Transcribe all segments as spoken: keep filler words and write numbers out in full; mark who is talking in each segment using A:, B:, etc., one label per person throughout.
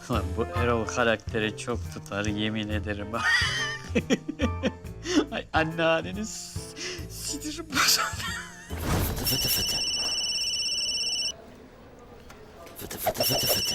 A: Lan bu Erol karakteri çok tutar yemin ederim. Ay anneanneniz sinirim bozuldu.
B: Fıtı fıtı fıtı. Fıtı fıtı fıtı fıtı.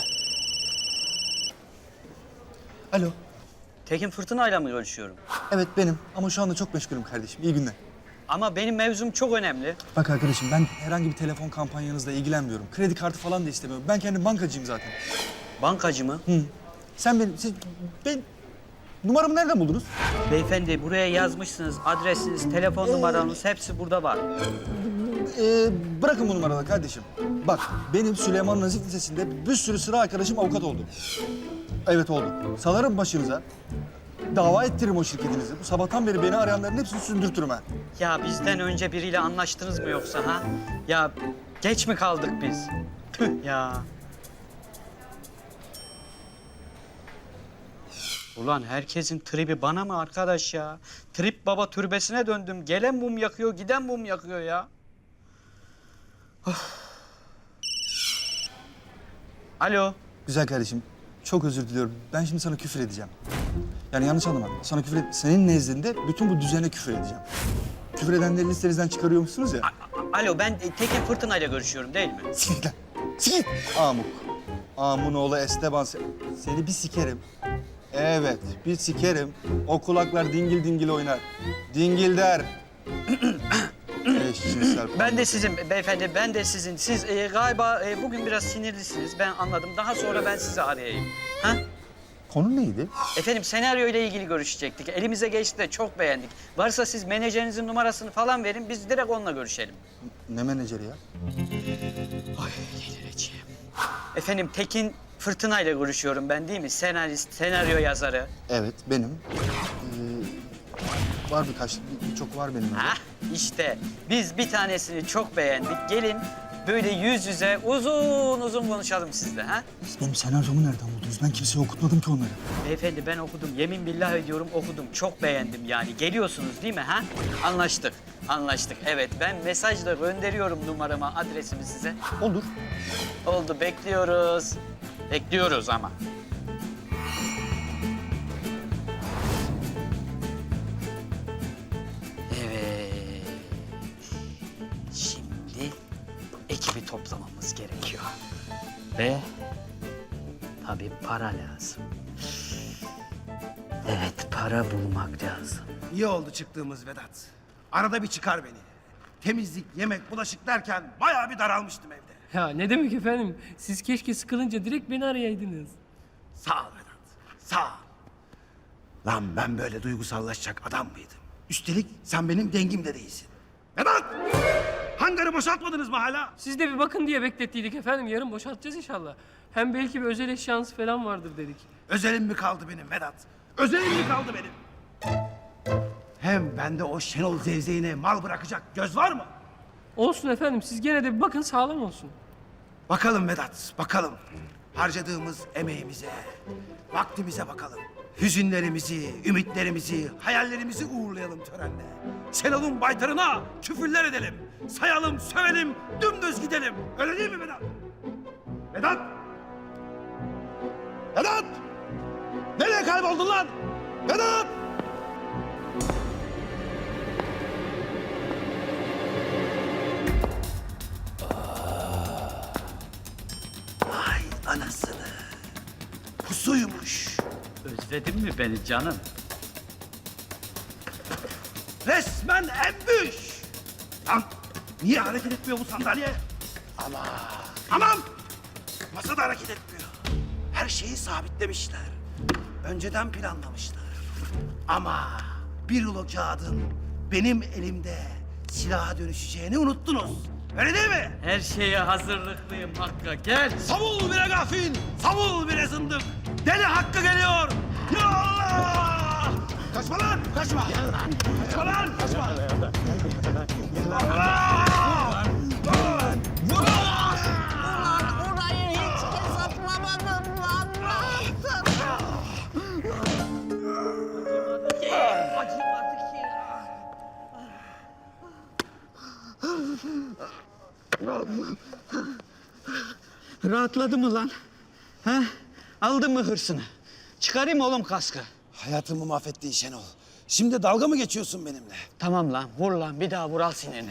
C: Alo.
A: Tekin Fırtına'yla mı görüşüyorum?
C: Evet benim ama şu anda çok meşgulüm kardeşim. İyi günler.
A: Ama benim mevzum çok önemli.
C: Bak arkadaşım ben herhangi bir telefon kampanyanızla ilgilenmiyorum. Kredi kartı falan da istemiyorum. Ben kendim bankacıyım zaten.
A: Bankacı mı?
C: Hı. Sen benim, siz, ben... Numaramı nereden buldunuz?
A: Beyefendi buraya yazmışsınız. Adresiniz, telefon numaranız hepsi burada var.
C: Ee, bırakın bu numaraları kardeşim. Bak benim Süleyman Nazif Lisesi'nde bir sürü sıra arkadaşım avukat oldu. Evet oldu. Salarım başınıza. Dava ettiririm o şirketinizi. Bu sabahtan beri beni arayanların hepsini sündürtürüm ha.
A: Ya bizden önce biriyle anlaştınız mı yoksa ha? Ya geç mi kaldık biz? Tüh ya. Ulan herkesin tribi bana mı arkadaş ya? Trip baba türbesine döndüm. Gelen mum yakıyor, giden mum yakıyor ya. Of. Alo.
C: Güzel kardeşim, çok özür diliyorum. Ben şimdi sana küfür edeceğim. Yani yanlış anlama. Sana küfür et... Senin nezdinde bütün bu düzene küfür edeceğim. Küfür edenleri listenizden çıkarıyormuşsunuz ya.
A: A- Alo ben Tekin Fırtına'yla görüşüyorum değil mi?
C: Sikit lan. Sikit. Amuk. Amun oğlu Esteban. se- Seni bir sikerim. Evet, bir sikerim. O kulaklar dingil dingil oynar. Dingil der. Eşcinsel.
A: Ben de sizin beyefendi, ben de sizin. Siz e, galiba e, bugün biraz sinirlisiniz. Ben anladım. Daha sonra ben sizi arayayım. Ha?
C: Konu neydi?
A: Efendim senaryo ile ilgili görüşecektik. Elimize geçti de çok beğendik. Varsa siz menajerinizin numarasını falan verin. Biz direkt onunla görüşelim.
C: Ne menajeri ya?
A: Ay delireceğim. Efendim Tekin Fırtına ile görüşüyorum ben değil mi? Senarist, senaryo yazarı.
C: Evet, benim. Ee, var birkaç, birçok var benim. öyle.
A: Ha? İşte biz bir tanesini çok beğendik. Gelin böyle yüz yüze uzun uzun konuşalım sizle. Ha?
C: Siz benim senaryomu nereden buldunuz? Ben kimseye okutmadım ki onları.
A: Beyefendi ben okudum. Yemin billah ediyorum okudum. Çok beğendim yani. Geliyorsunuz değil mi ha? Anlaştık. Anlaştık. Evet ben mesajla gönderiyorum numaramı, adresimi size.
C: Olur.
A: Oldu bekliyoruz. Bekliyoruz ama. Evet. Şimdi ekibi toplamamız gerekiyor. Ve tabii para lazım. Evet, para bulmak lazım.
D: İyi oldu çıktığımız Vedat. Arada bir çıkar beni. Temizlik, yemek, bulaşık derken bayağı bir daralmıştım evde.
E: Ya ne demek efendim? Siz keşke sıkılınca direkt beni arayaydınız.
D: Sağ ol Vedat, sağ ol. Lan ben böyle duygusallaşacak adam mıydım? Üstelik sen benim dengim de değilsin. Vedat! Hangarı boşaltmadınız mı hala?
E: Siz de bir bakın diye beklettiydik efendim. Yarın boşaltacağız inşallah. Hem belki bir özel eşyanız falan vardır dedik.
D: Özelim mi kaldı benim Vedat? Özelim mi kaldı benim? Hem bende o Şenol zevzeğine mal bırakacak göz var mı?
E: Olsun efendim. Siz gene de bir bakın sağlam olsun.
D: Bakalım Vedat, bakalım. Harcadığımız emeğimize, vaktimize bakalım. Hüzünlerimizi, ümitlerimizi, hayallerimizi uğurlayalım törenle. Şenol'un baytarına küfürler edelim. Sayalım, sövelim, dümdüz gidelim. Öyle değil mi Vedat? Vedat! Vedat! Nereye kayboldun lan? Vedat! Ay anasını. Pusuymuş.
A: Özledin mi beni canım?
D: Resmen embüş. Lan niye hareket etmiyor bu sandalye? Aman. Aman. Masa da hareket etmiyor. Her şeyi sabitlemişler. Önceden planlamışlar. Ama bir rulo kağıdın benim elimde silaha dönüşeceğini unuttunuz. Öyle değil mi?
A: Her şeye hazırlıklıyım Hakk'a. Gel.
D: Savul bire gafil, savul bire zındık. Deli Hakkı geliyor. Ya Allah! Kaçma lan, kaçma. Kaçma lan, kaçma. Allah!
F: Orayı hiç hesaplamadım lan. Ne yaptın?
A: Acımadı ki.
G: Rahatladı mı lan? Ha?
A: Aldın mı hırsını? Çıkarayım mı oğlum kaskı?
D: Hayatımı mahvettin Şenol. Şimdi dalga mı geçiyorsun benimle?
A: Tamam lan, vur lan. Bir daha vur, al sinirini.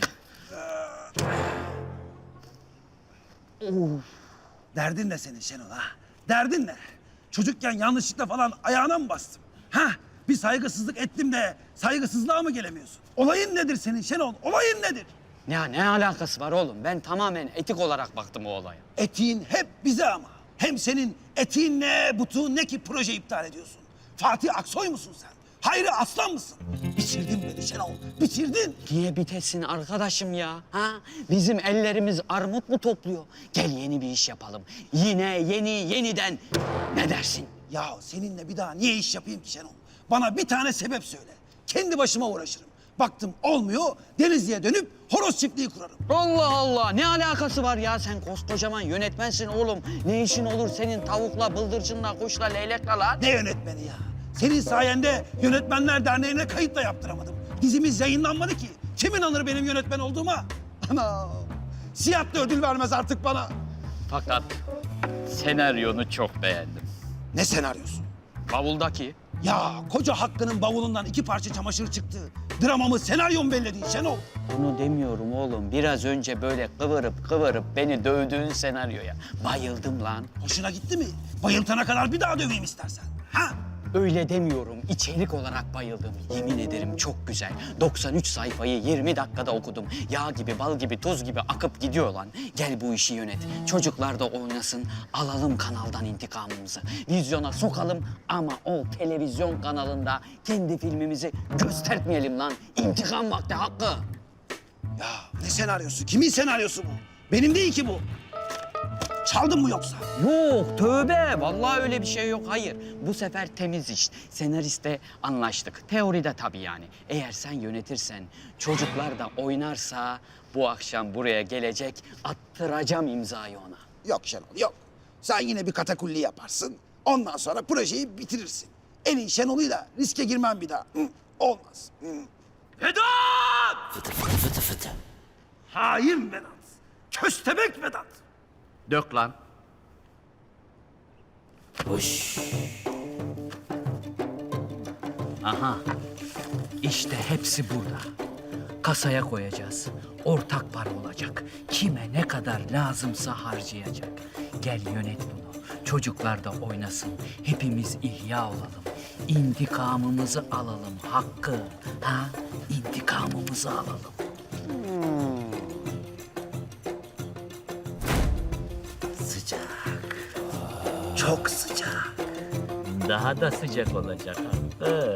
D: Derdin ne senin Şenol ha? Derdin ne? Çocukken yanlışlıkla falan ayağına mı bastım? Ha? Bir saygısızlık ettim de saygısızlığa mı gelemiyorsun? Olayın nedir senin Şenol? Olayın nedir?
A: Ya ne alakası var oğlum? Ben tamamen etik olarak baktım o olaya.
D: Etiğin hep bize ama. Hem senin etiğin ne, butuğun ne ki proje iptal ediyorsun? Fatih Aksoy musun sen? Hayri Aslan mısın? Bitirdin beni Şenol, bitirdin.
A: Niye bitesin arkadaşım ya? Ha? Bizim ellerimiz armut mu topluyor? Gel yeni bir iş yapalım. Yine yeni yeniden. Ne dersin?
D: Ya seninle bir daha niye iş yapayım ki Şenol? Bana bir tane sebep söyle. Kendi başıma uğraşırım. Baktım olmuyor, Denizli'ye dönüp horoz çiftliği kurarım.
A: Allah Allah, ne alakası var ya? Sen koskocaman yönetmensin oğlum. Ne işin olur senin tavukla, bıldırcınla, kuşla, leylekle lan?
D: Ne yönetmeni ya? Senin sayende Yönetmenler Derneği'ne kayıt da yaptıramadım. Dizimiz yayınlanmadı ki. Kim inanır benim yönetmen olduğuma? Ana! Siyah da ödül vermez artık bana.
A: Fakat senaryonu çok beğendim.
D: Ne senaryosu?
A: Bavuldaki.
D: Ya koca Hakkı'nın bavulundan iki parça çamaşır çıktı. Dramamı senaryom belledin Şenol.
A: Bunu demiyorum oğlum. Biraz önce böyle kıvırıp kıvırıp beni dövdüğün senaryoya bayıldım lan.
D: Hoşuna gitti mi? Bayıltana kadar bir daha döveyim istersen. Ha?
A: Öyle demiyorum. İçerik olarak bayıldım. Yemin ederim çok güzel. doksan üç sayfayı yirmi dakikada okudum. Yağ gibi, bal gibi, tuz gibi akıp gidiyor lan. Gel bu işi yönet. Çocuklar da oynasın. Alalım kanaldan intikamımızı. Vizyona sokalım ama o televizyon kanalında kendi filmimizi göstermeyelim lan. İntikam vakti Hakkı.
D: Ya ne senaryosu? Kimin senaryosu bu? Benim değil ki bu. Çaldın mı yoksa?
A: Yok tövbe. Vallahi öyle bir şey yok. Hayır. Bu sefer temiz iş. Senariste anlaştık. Teoride tabii yani. Eğer sen yönetirsen, çocuklar da oynarsa bu akşam buraya gelecek, attıracağım imzayı ona.
D: Yok Şenol yok. Sen yine bir katakulli yaparsın. Ondan sonra projeyi bitirirsin. En iyi Şenol'uyla riske girmem bir daha. Hı, olmaz. Hı. Vedat!
B: Fıtı fıtı fıtı fıtı.
D: Hain Vedat. Köstebek Vedat.
A: Dök lan.
B: Hoş.
A: Aha. İşte hepsi burada. Kasaya koyacağız. Ortak para olacak. Kime ne kadar lazımsa harcayacak. Gel yönet bunu. Çocuklar da oynasın. Hepimiz ihya olalım. İntikamımızı alalım Hakkı. Ha? İntikamımızı alalım.
B: Sıcak.
D: Çok sıcak.
A: Daha da sıcak olacak Hakkı.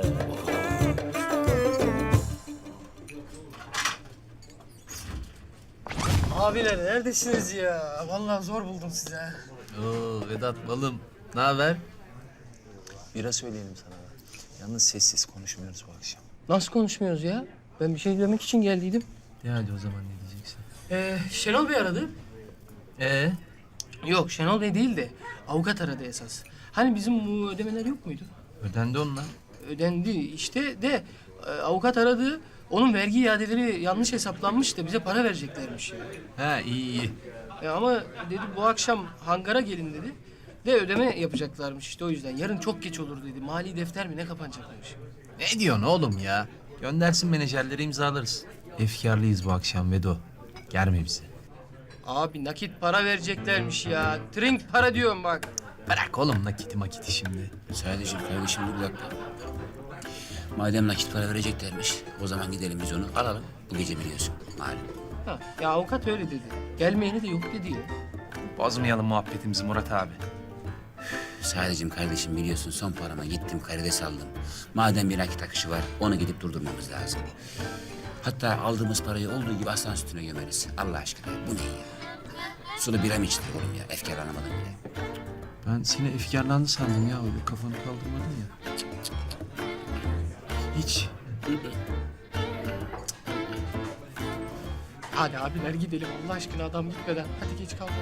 E: Abiler neredesiniz ya? Vallahi zor buldum sizi ha.
G: Oo Vedat balım. Ne haber? Bira söyleyelim sana da. Yalnız sessiz konuşmuyoruz bu akşam.
E: Nasıl konuşmuyoruz ya? Ben bir şey demek için geldiydim.
G: De hadi o zaman ne diyeceksin?
E: Ee, Şenol Bey aradı.
G: Ee?
E: Yok Şenol Bey değil de avukat aradı esas. Hani bizim bu ödemeler yok muydu?
G: Ödendi onlar.
E: Ödendi işte de e, avukat aradı. Onun vergi iadeleri yanlış hesaplanmış da bize para vereceklermiş.
G: Ha iyi iyi.
E: E, ama dedi bu akşam hangara gelin dedi. De ödeme yapacaklarmış işte o yüzden. Yarın çok geç olur dedi. Mali defter mi ne kapanacakmış.
G: Ne diyorsun oğlum ya? Göndersin menajerleri imzalarız. Efkarlıyız bu akşam Vedo. Germe bizi.
E: Abi nakit para vereceklermiş ya. Trink para diyorum bak.
G: Bırak oğlum nakiti makiti şimdi.
B: Sadece kardeşim dur bir dakika. Madem nakit para vereceklermiş, o zaman gidelim biz onu alalım. Bu gece biliyorsun, malum.
E: Ha, ya avukat öyle dedi. Gelmeyeni de yok dedi ya.
G: Bozmayalım muhabbetimizi Murat abi.
B: Sadece kardeşim biliyorsun son parama gittim karides aldım. Madem bir nakit akışı var, onu gidip durdurmamız lazım. Hatta aldığımız parayı olduğu gibi aslan sütüne gömeriz. Allah aşkına bu ne ya? Sulu bira mı içtik oğlum ya? Efkarlanamadım bile.
G: Ben seni efkarlandı sandım ya. Öyle kafanı kaldırmadın ya. Hiç.
E: Hadi abiler gidelim Allah aşkına adam gitmeden. Hadi geç kalmadan.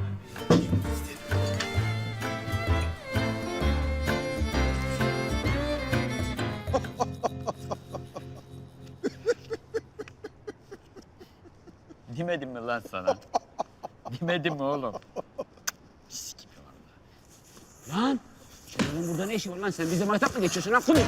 A: Demedim mi lan sana? Demedim mi oğlum? Pis gibi vallahi.
B: Lan! Senin burada ne işin var lan? Sen bize maytap mı geçiyorsun lan kulu?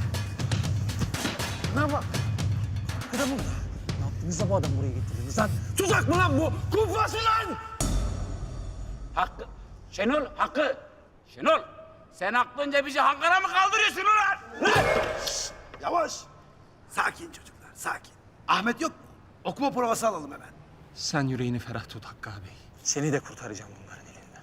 D: Ne bak? Hakkı da burada. Ne yaptınız da bu adam buraya getirdiniz lan? Tuzak mı lan bu? Kumpas mı lan?
B: Hakkı. Şenol, Hakkı. Şenol. Sen aklınca bizi hangara mı kaldırıyorsun ulan? Lan!
D: Yavaş. Sakin çocuklar, sakin. Ahmet yok mu? Okuma provası alalım hemen.
H: Sen yüreğini ferah tut Hakkı abi. Seni de kurtaracağım bunların elinden.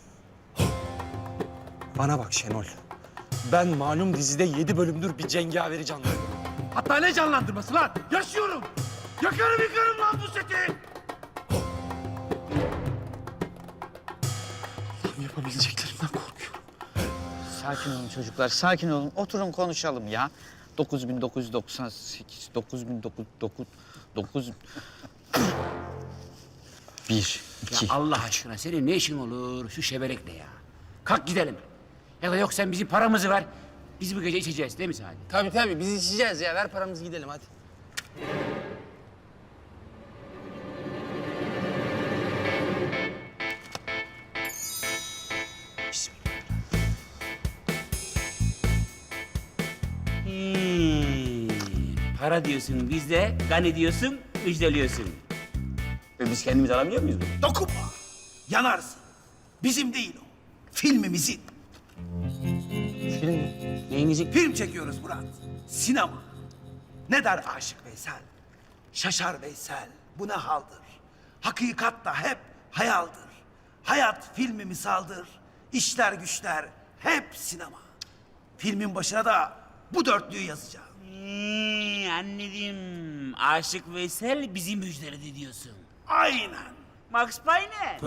H: Bana bak Şenol. Ben malum dizide yedi bölümdür bir cengaveri canlandırıyorum.
D: Hatta ne canlandırması lan? Yaşıyorum. Yakarım yıkarım lan bu seti.
H: Tam yapabileceklerimden korkuyorum.
A: Sakin olun çocuklar, sakin olun. Oturun konuşalım ya. dokuz bin dokuz yüz doksan sekiz, dokuz bin dokuz yüz dokuz, dokuz... Bir, iki.
B: Ya Allah aşkına senin ne işin olur şu şeberekle ya? Kalk gidelim. Ya da yok sen bizim paramızı ver. Biz bu gece içeceğiz değil mi Sadi?
E: Tabii tabii biz içeceğiz ya. Ver paramızı gidelim hadi.
B: Hmm. Para diyorsun bizde, gani diyorsun, müjdeliyorsun. E biz kendimiz alabiliyor muyuz bunu?
D: Dokunma. Yanarsın. Bizim değil o. Filmimizin.
B: Film neyinizi?
D: Film çekiyoruz Murat. Sinema. Ne der Aşık Veysel? Şaşar Veysel. Bu ne haldır? Hakikat da hep hayaldir. Hayat filmi misaldır. İşler güçler hep sinema. Filmin başına da bu dörtlüğü yazacağım.
B: Hmm, anladım. Aşık Veysel bizi müjdeledi diyorsun.
D: Aynen.
B: Max Payne.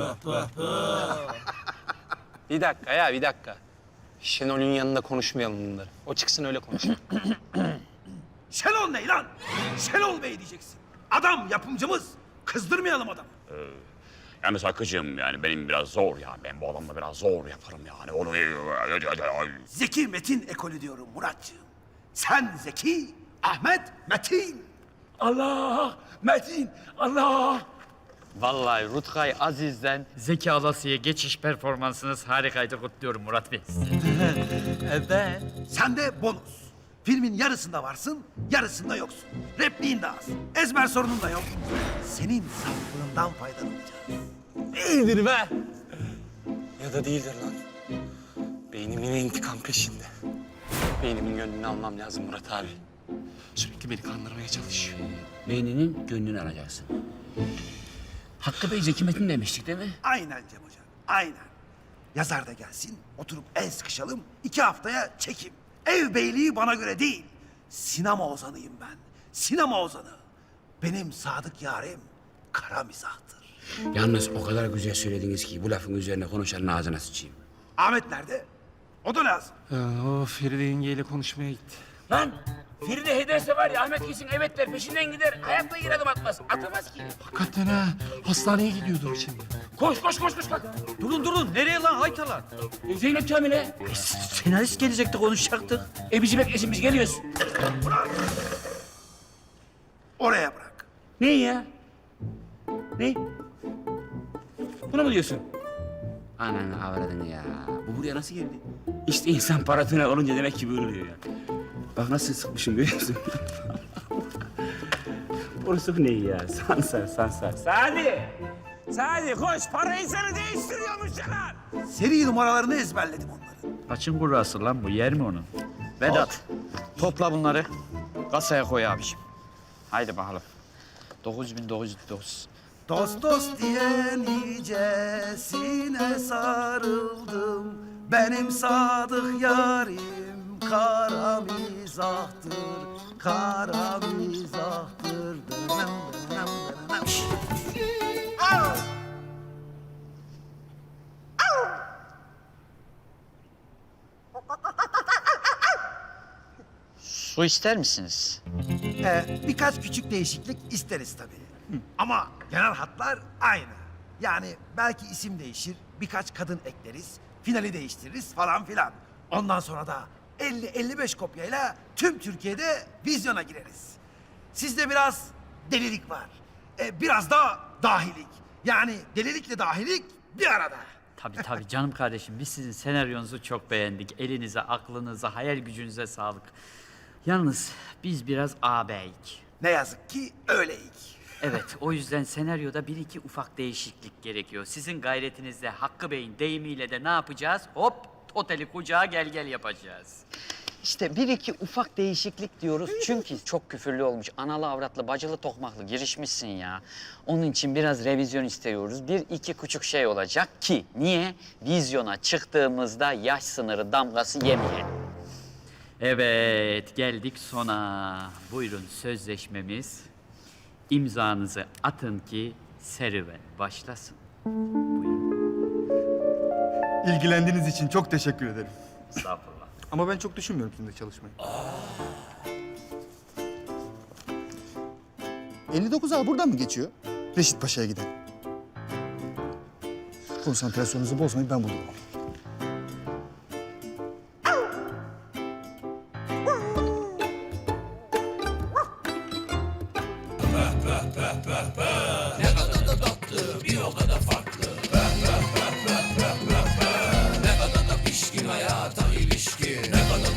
H: Bir dakika ya bir dakika. Şenol'ün yanında konuşmayalım bunları. O çıksın öyle konuşalım.
D: Şenol ne lan? Şenol Bey diyeceksin. Adam yapımcımız. Kızdırmayalım adamı.
I: Yalnız Hakkı'cığım yani benim biraz zor ya. Ben bu adamla biraz zor yaparım yani. Onu...
D: Zeki Metin ekolü diyorum Muratcığım. Sen Zeki, Ahmet Metin.
B: Allah! Metin! Allah!
A: Vallahi Rutkay Aziz'den
J: Zeki Alasya'ya geçiş performansınız harikaydı, kutluyorum Murat Bey.
E: Evet.
D: Sen de bonus. Filmin yarısında varsın, yarısında yoksun. Repliğin de az. Ezber sorunun da yok. Senin saflığından faydalanacağız.
H: Değildir be. Ya da değildir lan. Beynim yine intikam peşinde. Beynimin gönlünü almam lazım Murat abi. Sürekli beni kandırmaya çalışıyor.
B: Beyninin gönlünü alacaksın. Hakkı Bey Zeki Metin demiştik değil mi?
D: Aynen Cem Hocam, aynen. Yazar da gelsin, oturup el sıkışalım, iki haftaya çekim. Ev beyliği bana göre değil. Sinema ozanıyım ben. Sinema ozanı. Benim sadık yarim kara mizahtır.
B: Yalnız o kadar güzel söylediniz ki bu lafın üzerine konuşanın ağzına sıçayım.
D: Ahmet nerede? O da lazım.
H: o Feride yengeyle konuşmaya gitti.
B: Lan Feride hederse var ya Ahmet kesin evet der peşinden gider. Hayatta yere adım atmaz. Atamaz ki.
H: Hakikaten ha. Hastaneye gidiyordur şimdi.
B: Koş koş koş koş kalk.
C: Durun durun. Nereye lan haytalar?
B: E, Zeynep Kamil'e.
C: Senarist gelecekti konuşacaktık.
B: E bizi beklesin biz geliyoruz.
D: Oraya bırak.
B: Ne ya? Ne? Bunu mu diyorsun? Ananı avradını ya. Bu buraya nasıl geldi? İşte insan paratına olunca demek ki böyle oluyor ya. Bak nasıl sıkmışım görüyor musun? Borsuk ne ya? Sansar, sansar. Sadi! Sadi koş, parayı seni değiştiriyormuş yalan!
D: Seri numaralarını ezberledim onların.
J: Açın kurrası lan bu, yer mi onu?
A: Vedat, topla bunları. Kasaya koy abiciğim. Haydi bakalım. dokuz bin dokuz yüz dokuz.
D: Dost dost diye nicesine sarıldım. Benim sadık yarim kara mizahtır, kara mizahtır. Dönem, dönem, dönem. Au!
A: Su ister misiniz?
D: Ee, birkaç küçük değişiklik isteriz tabii. Ama genel hatlar aynı. Yani belki isim değişir, birkaç kadın ekleriz, finali değiştiririz falan filan. Ondan sonra da elli elli beş kopyayla tüm Türkiye'de vizyona gireriz. Sizde biraz delilik var. Ee, biraz da dahilik. Yani delilikle dahilik bir arada.
J: Tabii tabii canım kardeşim. Biz sizin senaryonuzu çok beğendik. Elinize, aklınıza, hayal gücünüze sağlık. Yalnız biz biraz ağabeyik.
D: Ne yazık ki öyleyik.
J: Evet, o yüzden senaryoda bir iki ufak değişiklik gerekiyor. Sizin gayretinizle Hakkı Bey'in deyimiyle de ne yapacağız? Hop, oteli kucağa gel gel yapacağız.
A: İşte bir iki ufak değişiklik diyoruz çünkü çok küfürlü olmuş. Analı avratlı, bacılı tokmaklı girişmişsin ya. Onun için biraz revizyon istiyoruz. Bir iki küçük şey olacak ki niye? Vizyona çıktığımızda yaş sınırı damgası yemeyelim.
J: Evet, geldik sona. Buyurun sözleşmemiz. İmzanızı atın ki serüven başlasın.
C: İlgilendiğiniz için çok teşekkür ederim.
J: Estağfurullah.
C: Ama ben çok düşünmüyorum sizinle çalışmayı. elli dokuz A buradan mı geçiyor? Reşit Paşa'ya giden. Konsantrasyonunuzu bozmayın, ben bulurum.